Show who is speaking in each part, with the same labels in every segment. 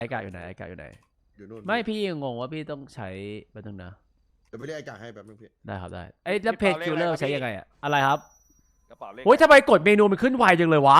Speaker 1: ไอกะอยู่ไหนไอกะอยู่ไหน
Speaker 2: อยู่นู่น
Speaker 1: ไม่พี่งงว่าพี่ต้องใช้แป๊บนึงนะ
Speaker 2: เดี๋ยวไปเรียกไอ้กากให้แป๊บนึงพี่
Speaker 1: ได้ครับได้ไอ้แล้วเพจคิวเลอร์ใช้ยังไงอะอะไรครับ
Speaker 3: กระเป๋าเลข
Speaker 1: โอ้ยทำไมกดเมนูมันขึ้นไวจังเลยวะ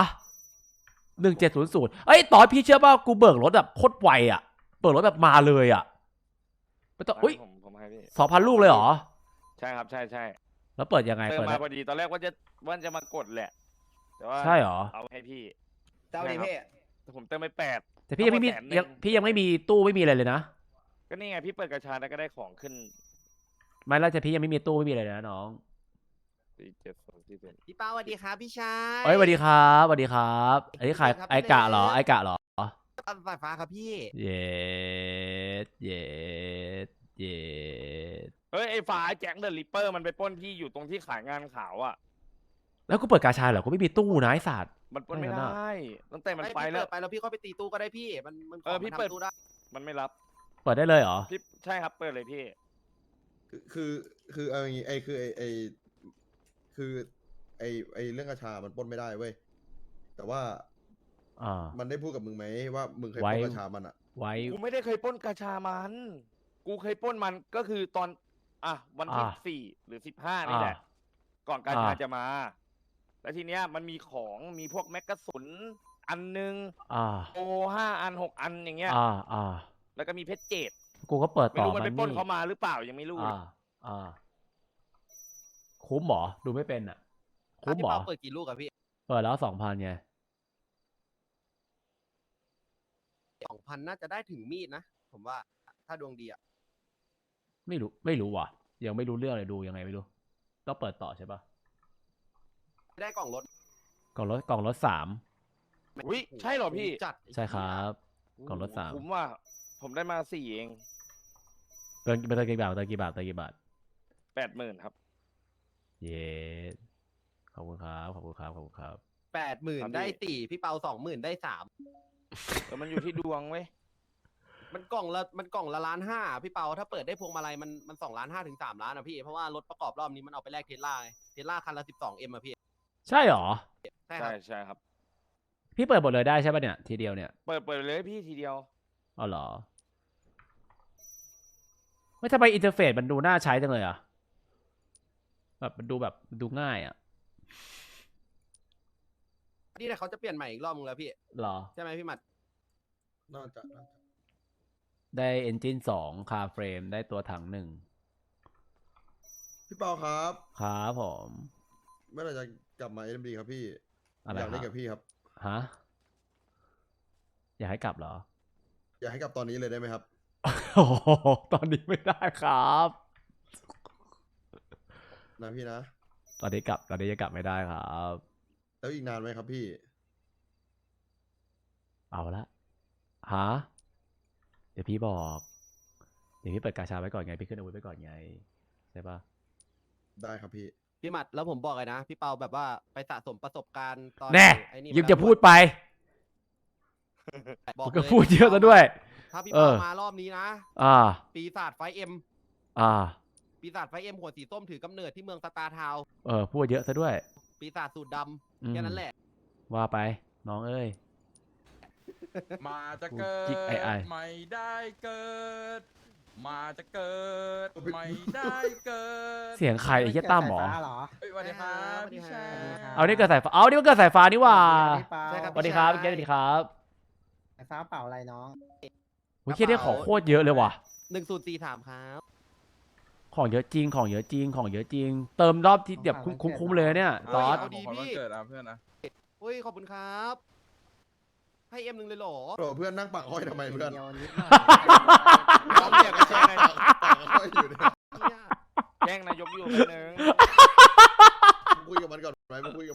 Speaker 1: 1700เอ้ยตอนพี่เชื่อป่ะกูเบิกรถแบบโคตรไวอะเบิกรถแบบมาเลยอะไม่ต้องอุ้ย
Speaker 3: ผมให้พี่
Speaker 1: 2,000 ลูกเลยเหรอ
Speaker 3: ใช่ครับใช่ใช่
Speaker 1: แล้วเปิดยังไง
Speaker 3: เติม
Speaker 1: เปิด
Speaker 3: มาพอดีตอนแรกว่าจะมากดแหละแต่ว่า
Speaker 1: ใช่เหรอ
Speaker 3: เอาให้พี่
Speaker 4: เจ้าดีพี่
Speaker 3: แต่ผมเติมไป8
Speaker 1: แต่พี่ยังไม่มีพี่ยังไม่มีตู้ไม่มีอะไรเลยนะ
Speaker 3: ก็นี่ไงพี่เปิดกระชาแล้วก็ได้ของขึ้น
Speaker 1: ไม่แล้วแต่พี่ยังไม่มีตู้ไม่มีอะไรเลยนะน้อง
Speaker 4: พี่เป้าสวัสดีครับพี่ชาย
Speaker 1: เอ้ยสวัสดีครับสวัสดีครับอันนี้ใครไอกะเหรอไอกะเหรอ
Speaker 4: สายฟ้าครับพี่
Speaker 1: เย็ดเย็ดเย็ด
Speaker 3: เฮ้ยไอ้ฝาแจ็คเดอะริปเปอร์มันไปปล้นพี่อยู่ตรงที่ขายงานขาวอ่ะ
Speaker 1: แล้วกูเปิดกาชาเหรอกูไม่มีตู้นะไอ้สัตว์
Speaker 3: มันปล้นไม่ได้ตั้งแต่มันไปแล้ว
Speaker 4: ไปแล้วพี่ก็ไปตีตู้ก็ได้พี่มัน
Speaker 3: พี่เปิด
Speaker 4: ตู้ได้
Speaker 3: มันไม่รับ
Speaker 1: เปิดได้เลยเหรอ
Speaker 3: พี่ใช่ครับเปิดเลยพี่
Speaker 2: คือเอาอย่างงี้คือไอเรื่องกระชามันปล้นไม่ได้เว้ยแต่ว่ามันได้พูดกับมึงไหมว่ามึงเคยปล้นกระชามันอ่ะ
Speaker 1: ไว้
Speaker 3: กูไม่ได้เคยปล้นกระชามันกูเคยปล้นมันก็คือตอนวันที่4 หรือ 15นี่แหละก่อนกาชาจะมาแล้วทีเนี้ยมันมีของมีพวกแมกกาสุนอันนึงโอ5 อัน6 อันอย่างเงี้ยแล้วก็มีเพชรเจด
Speaker 1: กูก็เปิดต่อ
Speaker 3: ไม่รู้มันไปปล้นเขามาหรือเปล่ายังไม่รู้
Speaker 1: คุ้มหรอดูไม่เป็นอ่ะคุ้มหรอ
Speaker 4: เปิดกี่ลูกอะพี่
Speaker 1: เปิดแล้ว2,000ไง
Speaker 4: 2,000น่าจะได้ถึงมีดนะผมว่าถ้าดวงดีอะ
Speaker 1: ไม่รู้ว่ะยังไม่รู้เรื่องเลยดูยังไงไม่รู้ต้องเปิดต่อใช่ปะ
Speaker 4: ได้กล่องรถ
Speaker 1: กล่องรถ3
Speaker 3: อุ้ยใช่เหรอพี่
Speaker 4: จัด
Speaker 1: ใช่ครับกล่องรถ3
Speaker 3: ผมว่าผมได้มา4เอง
Speaker 1: เติมกี่บาท
Speaker 3: 80,000ครับ
Speaker 1: เย้ขอบคุณครับ
Speaker 4: 80,000ได้4พี่เปา20,000ได้3
Speaker 3: แต่มันอยู่ที่ดวงเว้ย
Speaker 4: มันกล่องละ1,500,000พี่เปาถ้าเปิดได้พวงมาลัยมัน2,500,000 ถึง 3,000,000นะพี่เพราะว่ารถประกอบรอบนี้มันเอาไปแลกเทสลาคันละ12Mอะพี่
Speaker 1: ใช่หรอ
Speaker 4: ใช่
Speaker 3: ครับ
Speaker 1: พี่เปิดหมดเลยได้ใช่ป่ะเนี่ยทีเดียวเนี่ย
Speaker 3: เปิดเลยพี่ทีเดียว
Speaker 1: อ๋อเหรอไม่ทำไมอินเทอร์เฟซมันดูน่าใช้จังเลยอ่ะแบบมันดูง่ายอ่ะ
Speaker 4: นี่แต่เขาจะเปลี่ยนใหม่อีกรอบนึงแล้วพี่
Speaker 1: หรอ
Speaker 4: ใช่ไหมพี่หมัด
Speaker 2: น่าจะ
Speaker 1: ได้เอนจิน2คาร์เฟรมได้ตัวถัง1
Speaker 2: พี่เปาครับ
Speaker 1: ครับผม
Speaker 2: เมื่อไหร่จะกลับมา SMD ครับพี่อยากเล่นกับพี่ครับ
Speaker 1: ฮะอยากให้กลับเหรอ
Speaker 2: อยากให้กลับตอนนี้เลยได้ไหมครับ
Speaker 1: โอ้ตอนนี้ไม่ได้ครับ
Speaker 2: นะพี่นะ
Speaker 1: ตอนนี้จะกลับไม่ได้ครับ
Speaker 2: แล้วอีกนานไหมครับพี่
Speaker 1: เอาละฮะเดี๋ยวพี่เปิดกาชาไว้ก่อนไงพี่ขึ้นอาวุธไว้ก่อนไงใช่ปะ
Speaker 2: ได้ครับ
Speaker 4: พี่หมัดแล้วผมบอกเลยนะพี่เปาแบบว่าไปสะสมประสบการณ์ตอน
Speaker 1: แน่ยิ่งจะพูดไปบอกก็พูดเยอะซะด้วย
Speaker 4: ถ้าพี่เปามารอบนี้นะปีศาจไฟเอ็มปีศาจไฟเอ็มหัวสีส้มถือกำเนิดที่เมืองสตาร์ทาวน์
Speaker 1: พูดเยอะซะด้วย
Speaker 4: ปีศาจสูตรดำแค่นั้นแหละ
Speaker 1: ว่าไปน้องเอ้ย
Speaker 5: มาจะเกิดไม่ได้เกิดมาจะเกิดไม่ได้เกิด
Speaker 1: เสียงใครไอ้เหี้ยตั้มหรอ
Speaker 5: สวัสดีครับพี่ชาย
Speaker 1: เอานี่เกิดสายฟ้านี่มันเกิดสายฟ้านี่ว่าสวัสดีครับสวัสดีครับ
Speaker 6: สายฟ้าเปล่าอะไรน้อง
Speaker 1: โอ้ยเหี้ยได้ของโคตรเยอะเลยว่ะ
Speaker 4: 1043ครับ
Speaker 1: ของเยอะจริงเติมรอบที่แบบคุ้มเลยเนี่ยตอส
Speaker 5: ขอวันเกิดเพื่อนนะ
Speaker 4: เฮ้ยขอบคุณครับให้M1เลยหรอ
Speaker 2: เพื่อนนั่งปักห้อยทำไมเพื่อน
Speaker 4: น้อง
Speaker 3: เนี่ยก็แจ้งนายกอยู่เนี่ยแจ้งนายกอยู่คนนึง
Speaker 2: คุยกับมันก่อนไหมไม่คุย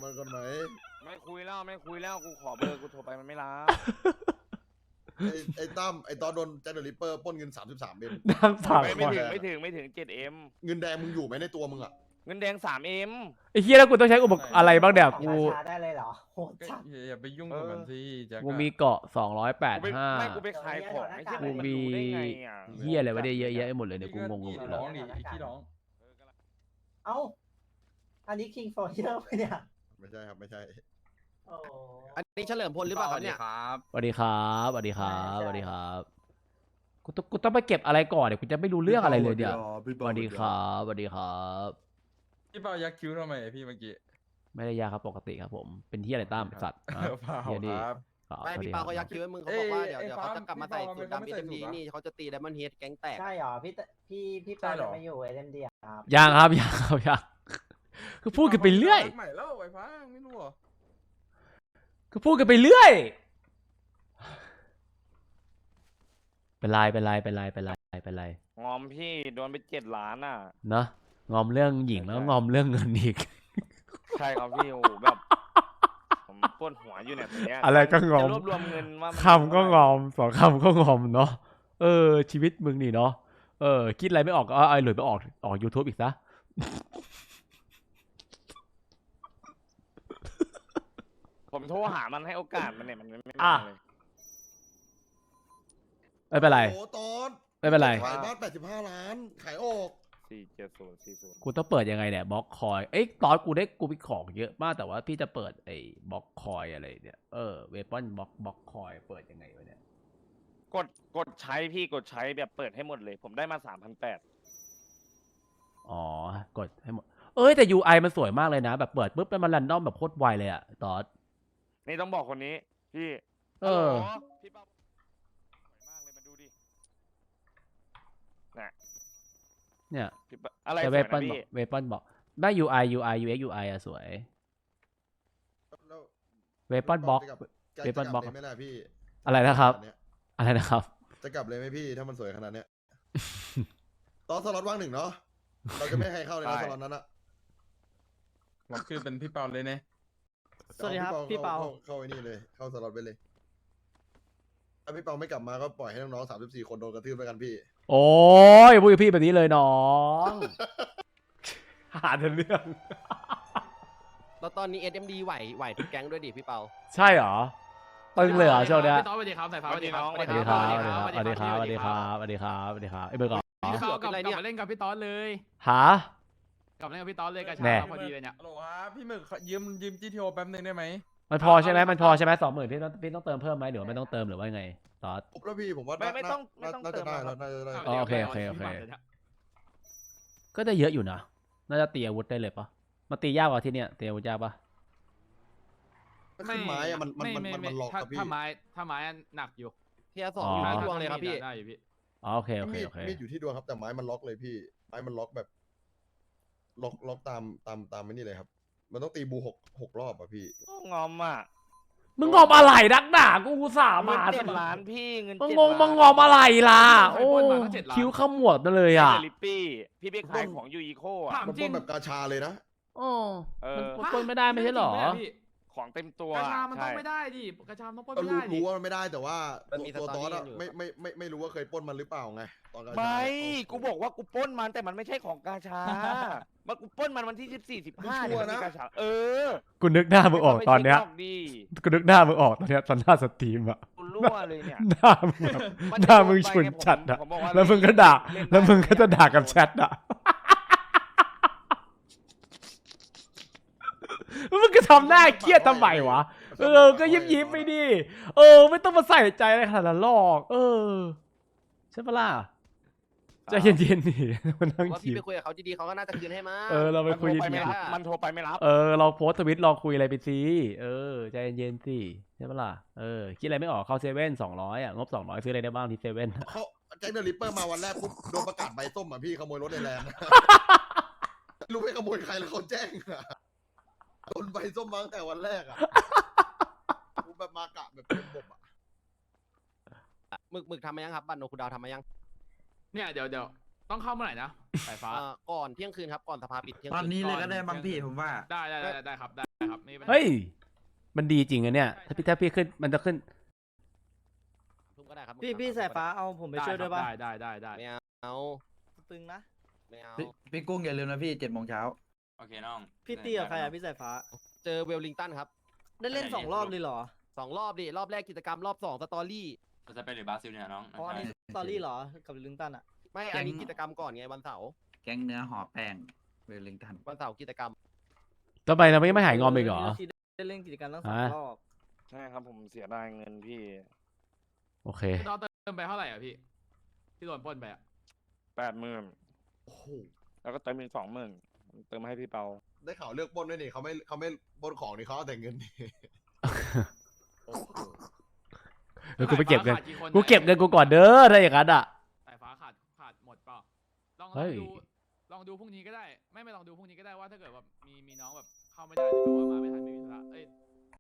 Speaker 2: แล้ว
Speaker 3: กูขอเบอร์กูโทรไปมันไม่รับ
Speaker 2: ไอ้ตั้มไอ้ตอนโดนแจ็คเดอะริปเปอร์ปล้นเงิน33 เอ็ม
Speaker 1: นั่งฝัง
Speaker 3: ไม่ถึง7M
Speaker 2: เงินแดงมึงอยู่ไหมในตัวมึงอ่ะ
Speaker 3: เงินแดง3M
Speaker 1: ไอ้เหี้ยแล้วกูต้องใช้อุปกรณ์อะไรบ้างเดี๋ยวกู
Speaker 6: ได้เลยเหรอโหดจัด
Speaker 5: อย่าไปยุ่งกับมันสิ
Speaker 1: กูมีเกาะ285
Speaker 3: ไม่กูไปขายของไม่ใช่
Speaker 1: กูมีเหี้ยอะไรวะเนี่ยเยอะแยะหมดเลยเนี่ยกูงงหมด
Speaker 5: เลยร้องดิขี้ร้อง
Speaker 6: เอ้าอันนี้คิงโฟเยอร์ไปเนี่ย
Speaker 2: ไม่ใช่ครับไม่ใช่
Speaker 6: โอ้
Speaker 4: อันนี้เฉลิมพลหรือเปล่าครับเนี่ย
Speaker 5: ครับ
Speaker 1: สวัสดีครับสวัสดีครับสวัสดีครับกูต้องไปเก็บอะไรก่อนเดี๋ยวกูจะไม่รู้เรื่องอะไรเลยเดี๋ยวสวัสดีครับสวัสดีครับ
Speaker 5: พี่เปายักคิ้วทำไมพี่เมื่อกี้
Speaker 1: ไม่ได้ยาครับปกติครับผมเป็นที่อะไรตามสัตว์อ่ะ
Speaker 5: เปล่า
Speaker 1: เหี้ยดิ
Speaker 5: ครับ
Speaker 4: ไม่
Speaker 1: สวัส
Speaker 4: พี่
Speaker 1: ดี
Speaker 4: เปา
Speaker 1: ค
Speaker 4: เขา
Speaker 1: รับ
Speaker 4: ยักคิ้วให้มึงเขาบอกว่าเดี๋ยว
Speaker 5: เอ้ย
Speaker 4: เดี๋ยวเขาจะกลับมาใส่สูตรดำ
Speaker 5: พี่
Speaker 4: เอ็
Speaker 5: เปา
Speaker 4: มดี
Speaker 5: ไม่ใส่สูตร
Speaker 4: นี่เขาจะตีไดมอนด์เฮดแก๊งแตก
Speaker 6: ใช่เหรอพี่
Speaker 5: ใช่
Speaker 6: ปา
Speaker 5: เหรอ
Speaker 6: จะมาอยู่เอ็มดีครับ
Speaker 1: ยังครับยังครับยังคือพูดกันไปเรื่อย
Speaker 5: ใหม่แล้วไอ้ฟ้าไม่รู้เหรอ
Speaker 1: คือพูดกันไปเรื่อยเป็นไรเป็นไรเป็นไรเป็นไรเป็นไร
Speaker 3: งอมพี่โดนไป7 ล้านอ่ะ
Speaker 1: เนอะงอมเรื่องหญิงแล้ว
Speaker 3: ใช่
Speaker 1: งอมเรื่องเงินอีก
Speaker 3: ใช่ครับพี่โอ้โหแบบผมปวดหัวอยู่เนี่ยตอนเนี้ย
Speaker 1: อะไรก็งอม
Speaker 3: จะรวบรวมเงินว่ามัน
Speaker 1: คำก็งอมสองคำก็งอมเนาะชีวิตมึงนี่เนาะคิดอะไรไม่ออกก็เอาหลุยไปออก YouTube อีกซะ
Speaker 3: ผมโทรหามันให้โอกาสมันเนี่ยมันไม่
Speaker 1: อ่ะ
Speaker 3: มาเลย
Speaker 1: ไม่เป็นไร
Speaker 2: โอ้ตอน
Speaker 1: ไม่เป็นไร
Speaker 2: ขายบ้าน85 ล้าน ขายออก
Speaker 3: 47040
Speaker 1: กูต้องเปิดยังไงเนี่ยบล็อกคอยตอนกูมีของเยอะมากแต่ว่าพี่จะเปิดไอ้บล็อกคอยอะไรเนี่ยเวปอนบล็อกคอยเปิดยังไงวะเนี่ย
Speaker 3: กดใช้พี่กดใช้แบบเปิดให้หมดเลย ผมได้มา3,800
Speaker 1: อ๋อกดให้หมดแต่ UI มันสวยมากเลยนะ แบบเปิดปุ๊บแล้วมันรันดอมแบบโคตรไวเลยอะตอน
Speaker 3: นี่ต้องบอกคนนี้พี่
Speaker 1: เออ
Speaker 3: ฮัลโหลพี่เป้าสวยมากเลยมาดูดิน่ะ
Speaker 1: เนี่ย
Speaker 3: พี่เป้าอะไร
Speaker 1: แต่
Speaker 3: ส
Speaker 1: เว
Speaker 3: วย
Speaker 1: ปอ
Speaker 3: นะ
Speaker 1: น
Speaker 3: พี่
Speaker 1: ได้ UI UX UI อะสวย
Speaker 2: แล้ว
Speaker 1: เวปอนบล็อก
Speaker 2: จะ
Speaker 1: เวปอนบล็อก
Speaker 2: เลยไหมล่ะพี่
Speaker 1: อะไรนะครับ
Speaker 2: ขนาดเย
Speaker 1: อะไรนะครับ
Speaker 2: จะกลับเลยไหมพี่ ถ้ามันสวยขนาดเนี้ย ตอนสล็อตว่างหนึ่งเนาะ เราจะไม่ให้ใครเข้าเลยนะ
Speaker 3: ใช่
Speaker 2: สล็อตนั้นอะ
Speaker 5: เราคือเป็นพี่เปาเลยเนี่ย
Speaker 6: สวัสดีครับพี่เปา
Speaker 2: เข้าไอ้นี่เลย เข้าสล็อตไปเลย ถ้าพี่เปาไม่กลับมาก็ปล่อยให้น้องๆ34 คนโดนกระทืบไปกันพี่
Speaker 1: โอ้ยพูดกับพี่แบบนี้เลยน้อง หาแต่เรื่อง
Speaker 4: แล้วตอนนี้ SMD ไหวทุกแก๊งด้วยดิพี่เปา
Speaker 1: ใช่เหรอตึงเลยเหรอช่วงเนี้ย
Speaker 7: พี่ต๊อดสวัสดีครับสายฟ้า
Speaker 3: สวัสดีน้อง
Speaker 1: สวัสดีครับสวัสดีครับสวัสดีครับสวัสดีครับสวัสดีครับเบอร์ก่อน
Speaker 7: พี่เขากลับ
Speaker 4: อะไรเนี่ย
Speaker 7: มาเล่นกับพี่ต๊อดเลย
Speaker 1: หา
Speaker 7: กลับมาเล่นกับพี่ต๊อดเลยกระ
Speaker 1: แน่
Speaker 7: ชากพอดีเลยเนี่ย
Speaker 5: ฮัลโหลครับพี่หมึกยืม GTO แป๊บนึงได้ไหม
Speaker 1: มันพอใช่ไหมมันพอใช่ไหม20,000พี่ต้องเติมเพิ่มไหมหรือว่าไม่ต้องเติมหรือว่าไงตอด
Speaker 2: ครบแล้วพี่ผมว่า
Speaker 3: ไม่ต้อง
Speaker 2: น่า
Speaker 3: เติ
Speaker 2: จะ
Speaker 3: ม
Speaker 2: ได้
Speaker 3: หร
Speaker 2: แล้
Speaker 3: อ
Speaker 2: ว
Speaker 3: ครับ
Speaker 2: น่าจะได้
Speaker 1: โอเคก็ได้เยอะอยู่นะน่าจะตีอาวุธได้เลยปะมาตียากกว่าที่เนี่ยตีอาวุธยากปะ
Speaker 2: ถ้าขึ้นไม้อะมันล็อกครับพี่
Speaker 7: ถ้าไม้หนักอยู่
Speaker 4: เทียร์สอง
Speaker 1: อ๋อ
Speaker 4: อ
Speaker 1: อ
Speaker 4: ยู่ที่ดวงเลยครับพี่
Speaker 7: ได้อยู่พี่
Speaker 1: อ๋อโอเคโอเค
Speaker 2: มีด
Speaker 1: โอเค
Speaker 2: มีดอยู่ที่ดวงครับแต่ไม้มันล็อกเลยพี่ ไม้มันล็อกแบบ ล็อกตามไม่นี่เลยครับ มันต้องตีบูหกรอบอะพี่
Speaker 3: งอมอ่ะ
Speaker 1: มึงงอมอะไรนักหนากูอุตส่าห์
Speaker 3: เงิ
Speaker 1: มาน
Speaker 3: 7 ล้านพี่เงิน
Speaker 1: มึง
Speaker 3: 7
Speaker 1: งง
Speaker 3: ล้าน
Speaker 1: มึงงอมอะไรล่ะโอ้คิ้วขมวดมาเลย
Speaker 3: เจ
Speaker 1: อ่ะ
Speaker 3: ลิปปี้พี่ไปขายของยูอีโคอ่ะ
Speaker 7: ถาม
Speaker 2: มัน
Speaker 7: จริ
Speaker 2: ปล้
Speaker 7: ง
Speaker 2: นแบบกาชาเลยนะ
Speaker 1: โอ้
Speaker 3: เออ
Speaker 1: มันปล้นไม่ได้ไม่ใช่เหรอ
Speaker 7: พี่
Speaker 3: ของเต็มตัว
Speaker 7: กระชามันต้อง
Speaker 3: ใช่
Speaker 7: ไม่ได้ดิกระชาต้องปล้น
Speaker 2: ก็
Speaker 7: ไม่ได้ดิ
Speaker 2: รู้ว่ามันไม่ได้แต่ว่า
Speaker 4: มันมี
Speaker 2: ตัว
Speaker 4: ส
Speaker 2: ต
Speaker 4: ตอ
Speaker 2: อ
Speaker 4: รี่
Speaker 2: สอะ
Speaker 4: อยู่
Speaker 2: ไม่รู้ว่าเคยปล้นมันหรือเปล่าไงตอนกาชา
Speaker 3: ไม่
Speaker 2: เนี่ย
Speaker 3: กูบอกว่ากูปล้นมันแต่มันไม่ใช่ของกาชามากูปล้นมันวันที่14 15เนี่ยมันมีกาชา
Speaker 1: กูนึกหน้ามึงออกตอนเนี้ย
Speaker 3: ไม่ใช่กดี
Speaker 1: กูนึกหน้ามึงออกตอนเนี้ยตอนหน้าสตรีมอะ
Speaker 3: กูรั่วเลยเนี่ย
Speaker 1: หน้ามึงแบบ
Speaker 3: มัน
Speaker 1: หน้ามึงฉุน
Speaker 3: โดไปไ
Speaker 1: จัดอะ
Speaker 3: ผมบอกา
Speaker 1: แล้วมึงก็ด่า
Speaker 3: เล่นได้
Speaker 1: แล้วมึงก็จะด่ากับแชทอะมึงก็ทำหน้าเครียดทำไมวะ ก็ยิ้มไปดิ ไม่ต้องมาใส่ใจอะไรขนาดนั้นหรอก ใช่ปะล่ะใจเย็นๆดิมานั่ง
Speaker 4: ว่า
Speaker 1: คิ
Speaker 4: พี่
Speaker 1: ด
Speaker 4: ไปคุยกับเขาดีๆเขาก็น่าจะคืนให้มา
Speaker 1: เราไป
Speaker 3: มันโท
Speaker 1: คุย
Speaker 3: รไป
Speaker 1: ดี
Speaker 3: ไม่
Speaker 1: ๆ
Speaker 3: รับมันโทรไปไม่รับ
Speaker 1: เราโพสต์ทวิตรอคุยอะไรไปสิใจเย็นๆสิใช่ปะล่ะคิดอะไรไม่ออกเข้าเซเว่น200อ่ะงบ200ซื้ออะไรได้บ้างที่เซเว่น
Speaker 2: เขาแจ็คเดอะริปเปอร์มาวันแรกปุ๊บโดนประกาศใบส้มอ่ะพี่ขโมยรถในแลนด์ รู้ไม่ขโมยใครแล้วเขาแจ้งอะโดนใบส้มมาตั้งแต่วันแรกอะกูแบบมากะแบบเป็นบบอะ
Speaker 4: หมึกทำมายังครับบัตรโนคูดาวทำมายัง
Speaker 7: เนี่ยเดี๋ยวต้องเข้าเมื่อไหร่นะสายฟ้า
Speaker 4: ก่อนเที่ยงคืนครับก่อนสภาปิดเที่ยง
Speaker 8: ตอน
Speaker 4: คืน
Speaker 8: นี้เลยก็ได้บางพี่ผมว่า
Speaker 7: ได้ครับได้ครับนี่
Speaker 1: เฮ้ยมันดีจริงอะเนี่ยถ้าพี่ขึ้นมันจะขึ้น
Speaker 4: ทุ่มก็ได้ครับ
Speaker 6: พี่สายฟ้าเอาผมไปช่วยด้วยป่ะ
Speaker 7: ได้
Speaker 4: ไม่เอา
Speaker 6: ตึงนะ
Speaker 4: ไม่เอา
Speaker 8: พี่กุ้งอย่าลืมนะพี่7 โมงเช้า
Speaker 5: โอเคน้อง
Speaker 6: พี่ตีกับใครอ่ะพี่สายฟ้า
Speaker 4: เจอเวลลิงตันครับ
Speaker 6: ได้เล่น2 รอบเลยเหรอ
Speaker 4: 2 รอบดิรอบแรกกิจกรรมรอบ2สตอรี่
Speaker 5: จะไปหรือบราซิลเนี่ยน้อง
Speaker 6: อ๋ออันนี้สตอรี่เหรอ กับลิงตันอ่ะ
Speaker 4: ไม่อันนี้กิจกรรมก่อนไงวันเสาร์
Speaker 8: แก๊งเนื้อห่อแป้งเวลลิงตัน
Speaker 4: วันเสาร์กิจกรรม
Speaker 1: ทำไมเราไม่หายงอมอีกเหรอ
Speaker 6: ได้เล่นกิจกรรมตั้งสอง
Speaker 1: ฮะ
Speaker 6: รอบ
Speaker 3: ใช่ครับผมเสียดายเงินพี่
Speaker 1: โอเค
Speaker 7: พี่ต้องเติมไปเท่าไหร่อ่ะพี่ที่โดนปล้นไปอ่ะ
Speaker 3: 80,000
Speaker 2: โอ้โห
Speaker 3: แล้วก็เติมอีก20,000เติมให้พี่เปา
Speaker 2: ได้ข่าวเลือกปล้นด้วยนี่เขาไม่ปล้นของนี่เขาเอาแต่เงินนี่โอ้โห
Speaker 1: เออกูไปเก็บเงิน
Speaker 7: สายฟ้าขาดกี่คน
Speaker 1: กูเก็บเงินกูก่อนเด้อถ้าอย่างนั้นอ่ะ
Speaker 7: สายฟ้าขาดหมดเปล่าลอง
Speaker 1: เฮ้ย
Speaker 7: ลองดูพรุ่งนี้ก็ได้ไม่ลองดูพรุ่งนี้ก็ได้ว่าถ้าเกิดว่ามีน้องแบบเข้าไม่ได้หรือแบบว่ามาไม่ทันไม่มีธุระเอ้ย